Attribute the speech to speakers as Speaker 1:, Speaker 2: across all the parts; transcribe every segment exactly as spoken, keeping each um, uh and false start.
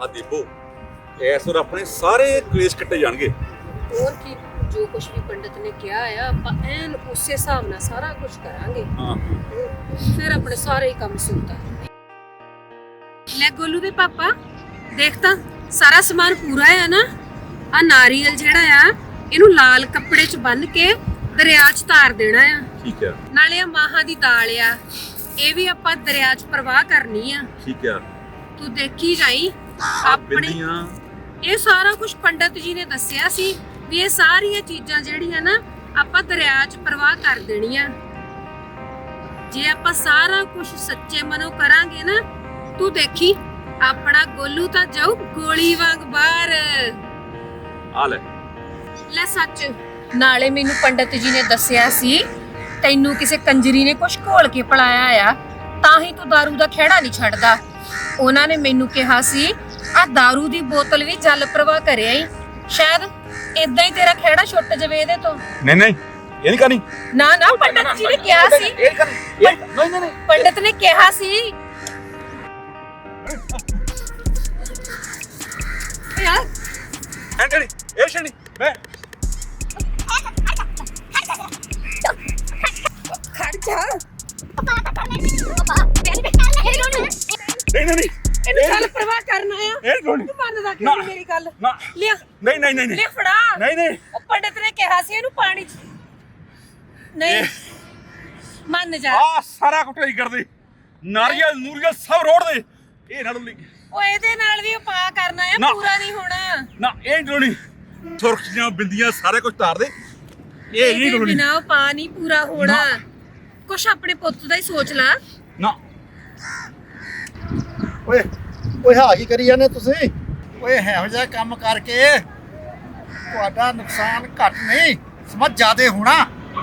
Speaker 1: ਆ ਦੀਪੋ ਇਸ ਵਾਰ ਆਪਣੇ ਸਾਰੇ ਕਲੇਸ਼ ਕੱਟੇ ਜਾਣਗੇ।
Speaker 2: ਹੋਰ ਕੀ, ਜੋ ਕੁਝ ਵੀ ਪੰਡਤ ਨੇ ਕਿਹਾ ਆ ਆਪਾਂ ਐਨ ਉਸੇ ਹਿਸਾਬ ਨਾਲ ਸਾਰਾ ਕੁਝ ਕਰਾਂਗੇ।
Speaker 1: ਹਾਂ
Speaker 2: ਫਿਰ ਆਪਣੇ ਸਾਰੇ ਹੀ ਕੰਮ ਸੁਣਦਾ। ਲੈ ਗੋਲੂ ਦੇ ਪਾਪਾ, ਦੇਖ ਤਾਂ ਸਾਰਾ ਸਮਾਨ ਪੂਰਾ ਹੈ ਨਾ। ਆ ਨਾਰੀਅਲ ਜਿਹੜਾ ਆ ਇਹਨੂੰ ਲਾਲ ਕੱਪੜੇ 'ਚ ਬੰਨ ਕੇ ਦਰਿਆ 'ਚ ਤਾਰ ਦੇਣਾ ਆ।
Speaker 1: ਠੀਕ ਆ।
Speaker 2: ਨਾਲੇ ਆ ਮਾਹਾਂ ਦੀ ਦਾਲ ਆ, ਇਹ ਵੀ ਆਪਾਂ ਦਰਿਆ 'ਚ ਪ੍ਰਵਾਹ ਕਰਨੀ ਆ।
Speaker 1: ਠੀਕ ਆ।
Speaker 2: ਤੂੰ ਦੇਖੀ ਜਾਈ ਆਪਣੇ।
Speaker 1: ਬਿੰਦੀਆਂ
Speaker 2: ਇਹ ਸਾਰਾ ਕੁਝ ਪੰਡਤ ਜੀ ਨੇ ਦੱਸਿਆ ਸੀ ਵੀ ਇਹ ਸਾਰੀਆਂ ਚੀਜ਼ਾਂ ਜਿਹੜੀਆਂ ਨਾ ਆਪਾਂ ਦਰਿਆ 'ਚ ਪ੍ਰਵਾਹ ਕਰ ਦੇਣੀਆਂ। ਜੇ ਆਪਾਂ ਸਾਰਾ ਕੁਝ ਸੱਚੇ ਮਨੋਂ ਕਰਾਂਗੇ ਨਾ, ਤੂੰ ਦੇਖੀ ਆਪਣਾ ਗੋਲੂ ਤਾਂ ਜਾਊ ਗੋਲੀ ਵਾਂਗ ਬਾਹਰ।
Speaker 1: ਆ ਲੈ
Speaker 2: ਲੈ ਸੱਚ, ਨਾਲੇ ਮੈਨੂੰ ਪੰਡਤ ਜੀ ਨੇ ਦੱਸਿਆ ਸੀ ਤੈਨੂੰ ਕਿਸੇ ਕੰਜਰੀ ਨੇ ਕੁਝ ਘੋਲ ਕੇ ਪਲਾਇਆ ਆ, ਤਾਂ ਹੀ ਤੂੰ ਦਾਰੂ ਦਾ ਖਹਿੜਾ ਨਹੀਂ ਛੱਡਦਾ। ਉਹਨਾਂ ਨੇ ਮੈਨੂੰ ਕਿਹਾ ਸੀ ਆ ਦਾਰੂ ਦੀ ਬੋਤਲ ਵੀ ਜਲ ਪ੍ਰਵਾਹ ਕਰਿਆ ਹੀ, ਸ਼ਾਇਦ ਇਦਾਂ ਹੀ ਤੇਰਾ ਖਹਿੜਾ ਛੁੱਟ ਜਾਵੇ ਇਹਦੇ ਤੋਂ।
Speaker 1: ਨਹੀਂ ਨਹੀਂ ਇਹ ਨਹੀਂ ਕਰਨੀ।
Speaker 2: ਨਾ ਨਾ ਪੰਡਤ ਜੀ ਨੇ ਕਿਹਾ ਸੀ,
Speaker 1: ਇਹ ਕਰਨੀ ਨਹੀਂ ਨਹੀਂ ਨਹੀਂ
Speaker 2: ਪੰਡਤ ਨੇ ਕਿਹਾ ਸੀ ਯਾਰ।
Speaker 1: ਐਂਟਣੀ ਇਹ ਸ਼ਣੀ ਮੈਂ
Speaker 2: ਖੜ ਜਾ।
Speaker 1: ਨਹੀਂ ਨਹੀਂ ਨਹੀਂ
Speaker 2: ਇਹਨੂੰ ਜਲ ਪ੍ਰਵਾਹ ਕਰਨਾ ਆ।
Speaker 1: ਇਹ ਕੋਣੀ
Speaker 2: ਤੂੰ ਮੰਨਦਾ ਕਿਉਂ ਨਹੀਂ ਮੇਰੀ ਗੱਲ?
Speaker 1: ਨਾ
Speaker 2: ਲਿਆ
Speaker 1: ਨਹੀਂ ਨਹੀਂ ਨਹੀਂ
Speaker 2: ਲਿਆ ਫੜਾ।
Speaker 1: ਨਹੀਂ ਨਹੀਂ
Speaker 2: ਉਹ ਪੰਡਤ ਨੇ ਕਿਹਾ ਸੀ ਇਹਨੂੰ ਪਾਣੀ 'ਚ ਨਹੀਂ ਮੰਨ ਜਾ।
Speaker 1: ਆ ਸਾਰਾ ਕੁਟਾਈ ਕਰਦੇ ਨਾਰੀਅਲ ਨੂਰੀਅਲ ਸਭ ਰੋੜ ਦੇ। ਇਹ ਨਾ ਡੁੱਲੀ।
Speaker 2: ਉਹ ਇਹਦੇ ਨਾਲ ਵੀ ਉਪਾਅ ਕਰਨਾ ਆ,
Speaker 1: ਨਾ।
Speaker 2: ਪੂਰਾ ਨਹੀਂ ਹੋਣਾ।
Speaker 1: ਨਾ ਇਹ ਡੋਣੀ ਸੁਰਖੀਆਂ ਬਿੰਦੀਆਂ ਸਾਰੇ ਕੁਝ ਤਾਰ ਦੇ। ਇਹ ਨਹੀਂ
Speaker 2: ਇਹਦੇ
Speaker 1: ਡੋਣੀ।
Speaker 2: ਬਿਨਾਂ ਉਪਾਅ ਨਹੀਂ ਪੂਰਾ ਹੋਣਾ।
Speaker 1: ਨਾ।
Speaker 2: ਕੁਛ ਆਪਣੇ ਪੁੱਤ ਦਾ ਹੀ ਸੋਚ ਲਾ।
Speaker 1: ਨਾ
Speaker 3: ਓਏ ਓਏ ਹਾਂ ਕੀ ਕਰੀ ਜਾਂਦੇ ਤੁਸੀਂ? ਓਏ ਇਹੋ ਜਿਹਾ ਕੰਮ ਕਰਕੇ ਤੁਹਾਡਾ ਨੁਕਸਾਨ ਘੱਟ ਨਹੀਂ ਸਮਾਂ ਜ਼ਿਆਦੇ ਹੋਣਾ।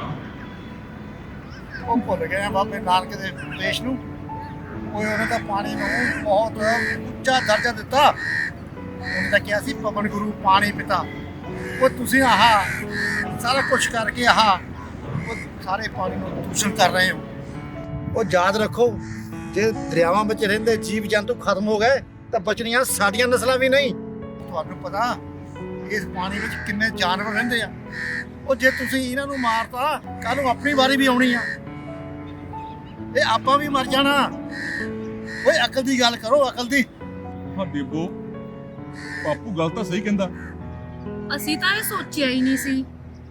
Speaker 3: ਉਹ ਭੁੱਲ ਗਏ ਆ ਬਾਬੇ ਨਾਨਕ ਦੇ ਉਪਦੇਸ਼ ਨੂੰ। ਓਏ ਉਹਨੇ ਤਾਂ ਪਾਣੀ ਨੂੰ ਬਹੁਤ ਉੱਚਾ ਦਰਜਾ ਦਿੱਤਾ। ਉਹਨੇ ਤਾਂ ਕਿਹਾ ਸੀ ਪਵਨ ਗੁਰੂ ਪਾਣੀ ਪਿਤਾ। ਉਹ ਤੁਸੀਂ ਆਹ ਸਾਰਾ ਕੁਝ ਕਰਕੇ ਆਹ ਉਹ ਸਾਰੇ ਪਾਣੀ ਨੂੰ ਦੂਸ਼ਣ ਕਰ ਰਹੇ ਹੋ। ਉਹ ਯਾਦ ਰੱਖੋ, ਜੇ ਦਰਿਆਵਾਂ ਵਿੱਚ ਰਹਿੰਦੇ ਜੀਵ ਜੰਤੂ ਖਤਮ ਹੋ ਗਏ ਤਾਂ ਬਚਣੀਆਂ ਸਾਡੀਆਂ ਨਸਲਾਂ ਵੀ ਨਹੀਂ। ਤੁਹਾਨੂੰ ਪਤਾ ਇਸ ਪਾਣੀ ਵਿੱਚ ਕਿੰਨੇ ਜਾਨਵਰ ਰਹਿੰਦੇ ਆ। ਉਹ ਜੇ ਤੁਸੀਂ ਇਹਨਾਂ ਨੂੰ ਮਾਰਤਾ, ਕੱਲ ਨੂੰ ਆਪਣੀ ਵਾਰੀ ਵੀ ਆਉਣੀ ਆ। ਇਹ ਆਪਾਂ ਵੀ ਮਰ ਜਾਣਾ। ਓਏ ਅਕਲ ਦੀ ਗੱਲ ਕਰੋ, ਅਕਲ ਦੀ।
Speaker 1: ਹਾਂ ਦੀਪੋ ਬਾਪੂ ਗੱਲ ਤਾਂ ਸਹੀ ਕਹਿੰਦਾ।
Speaker 2: ਅਸੀਂ ਤਾਂ ਇਹ ਸੋਚਿਆ ਹੀ ਨਹੀਂ ਸੀ।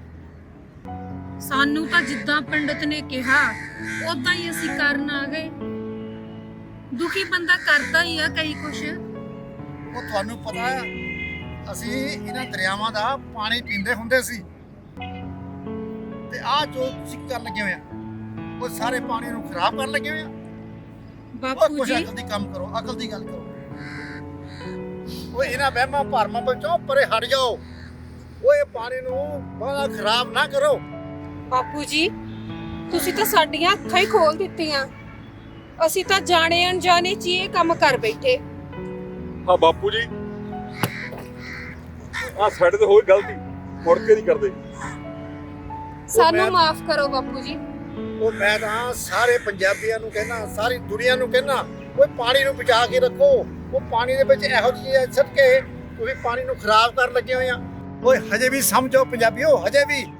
Speaker 2: ਸਾਨੂੰ ਤਾਂ ਜਿੱਦਾਂ ਪੰਡਤ ਨੇ ਕਿਹਾ ਉਦਾਂ ਹੀ ਅਸੀਂ ਕਰਨ ਆ ਗਏ। ਦੁਖੀ ਬੰਦਾ ਕਰਦਾ ਹੀ ਆ ਕਈ ਕੁਛ।
Speaker 3: ਉਹ ਤੁਹਾਨੂੰ ਪਤਾ ਆ, ਅਸੀਂ ਇਹਨਾਂ ਦਰਿਆਵਾਂ ਦਾ ਪਾਣੀ ਪੀਂਦੇ ਹੁੰਦੇ ਸੀ ਤੇ ਆਹ ਜੋ ਤੁਸੀਂ ਕਰਨ ਲੱਗੇ ਹੋਏ ਆ, ਉਹ ਸਾਰੇ ਪਾਣੀ ਨੂੰ ਖਰਾਬ ਕਰਨ ਲੱਗੇ ਹੋਏ ਆ। ਉਹ
Speaker 2: ਬਾਪੂ
Speaker 3: ਕੁਛ
Speaker 2: ਜੀ
Speaker 3: ਅਕਲ ਦੀ ਕੰਮ ਕਰੋ, ਅਕਲ ਦੀ ਗੱਲ ਕਰੋ। ਓਏ ਇਹਨਾਂ ਵਹਿਮਾਂ ਭਰਮਾਂ ਵਿੱਚੋਂ ਪਰੇ ਹਟ ਜਾਓ। ਓਏ ਪਾਣੀ ਨੂੰ ਬੜਾ ਖਰਾਬ ਨਾ ਕਰੋ।
Speaker 2: ਬਾਪੂ ਜੀ, ਤੁਸੀਂ ਤਾਂ ਸਾਡੀਆਂ ਅੱਖਾਂ ਹੀ ਖੋਲ ਦਿੱਤੀਆਂ। ਅਸੀਂ ਤਾਂ ਜਾਣੇ ਅਣਜਾਣੇ ਚ ਹੀ ਇਹ ਕੰਮ ਕਰ ਬੈਠੇ।
Speaker 1: ਹਾਂ ਬਾਪੂ ਜੀ ਆ ਸਾਡੇ ਤੇ ਹੋਈ ਗਲਤੀ, ਮੁੜ ਕੇ ਨਹੀਂ ਕਰਦੇ।
Speaker 2: ਸਾਨੂੰ
Speaker 3: ਮੈਂ-
Speaker 2: ਮਾਫ ਕਰੋ ਬਾਪੂ ਜੀ।
Speaker 3: ਉਹ ਮੈਂ ਤਾਂ ਸਾਰੇ ਪੰਜਾਬੀਆਂ ਨੂੰ ਕਹਿਣਾ, ਸਾਰੀ ਦੁਨੀਆ ਨੂੰ ਕਹਿਣਾ, ਓਏ ਪਾਣੀ ਨੂੰ ਬਚਾ ਕੇ ਰੱਖੋ। ਉਹ ਪਾਣੀ ਦੇ ਵਿੱਚ ਇਹੋ ਜਿਹੀ ਸਿੱਟ ਕੇ ਤੁਸੀਂ ਪਾਣੀ ਨੂੰ ਖਰਾਬ ਕਰਨ ਲੱਗੇ ਹੋਏ ਆ। ਓਏ ਹਜੇ ਵੀ ਸਮਝੋ ਪੰਜਾਬੀਓ, ਹਜੇ ਵੀ